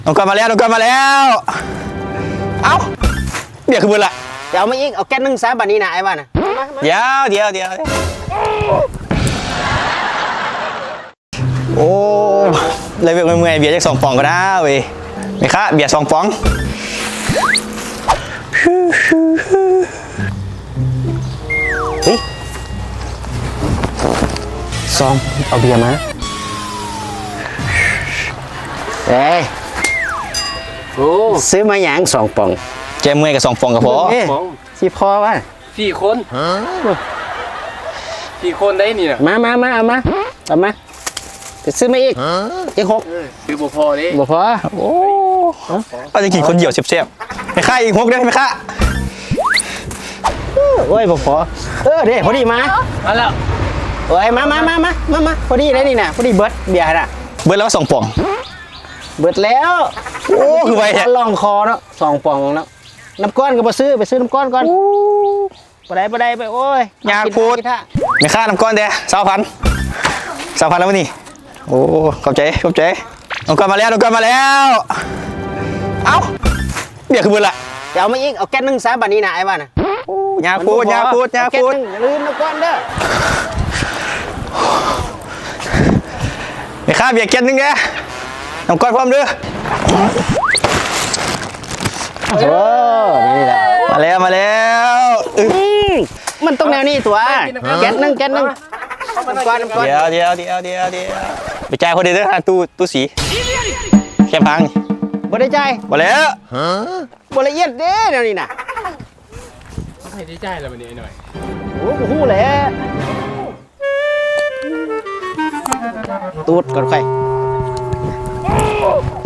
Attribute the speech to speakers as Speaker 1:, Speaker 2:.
Speaker 1: น้องก้อนมาแล้วน้องก้อนมาแล้วเอ้าเดี๋ยวคือบุญละ
Speaker 2: เดี๋ยวเอามาอีกเอาแก๊สนึ่งซะบัดนี้นะไอ้บ้านะ
Speaker 1: เดี๋ยวโอ้เลยเมื่อยเบียร์จาก2 ปองก็ได้เว้ยไม่ค่ะเบียร์2 ปอง
Speaker 2: เฮ้ยซองเอาเบียร์มาเอ้ยโอ้ซื้อมาอย่าง2 ปอง
Speaker 1: เจมเมื่อยกับ2 ปองก็พอ
Speaker 2: สิพอวะ
Speaker 3: 4 คนได้นี่นะ
Speaker 2: เอามาจะซื้อมาอีกยัง6
Speaker 3: คือบ่พอดิ
Speaker 2: บ่พอ
Speaker 1: โอ้เอาจะกินคนเดียวเสียบๆไม่ค่าอีก6ได้ไหมคะ
Speaker 2: โอ้ยบ่พอเด้พอดีมา
Speaker 3: แล้ว
Speaker 2: โอ้ยมาพอดีเลยนี่นะพอดีเบิร์ดเบียร์น่ะ
Speaker 1: เบิร์ดแล้ว2 ปอง
Speaker 2: เบิดแล้ว
Speaker 1: โอ้คือไวแท้
Speaker 2: ลองคอเนาะ2 ปองเนาะน้ำก้อนก็ไปซื้อน้ำก้อนก่อนไปได้ไปโอ้ย
Speaker 1: ยาพูดไม่ค่าน้ำก้อนเด้20,000แล้วนี่โอ้ขอบใจน้องก้อนมาแล้วเอ้าเดี๋ยวคือบุญละ
Speaker 2: เดี๋ยวเอามาอีกเอาแก๊สนึ่งซะบัดนี้นะไอ้บ้านะ
Speaker 1: ยาพูด
Speaker 2: ลืมน้ำก้อนเด้อ
Speaker 1: ไม่ค่าเบียร์แก้วนึงเด้น้ำก้อนพร้อมเด้อ
Speaker 2: โอ้นี่แหละ
Speaker 1: มาแล้ว
Speaker 2: มันต้องแนวนี้ตัวแก๊สนึงน้ำก้อน
Speaker 1: เดี๋ยวไปจ่ายคนเดียวเด้อตู้สีแค่พัง
Speaker 2: บ่ได้ใจ
Speaker 1: บ่แล้ว
Speaker 2: บ่ละเอียดเด้แนวนี้น่ะ
Speaker 3: ให้ได้ใจแล้ววันนี้หน่อย
Speaker 2: โอ้โหแหละตูดก่อนใคร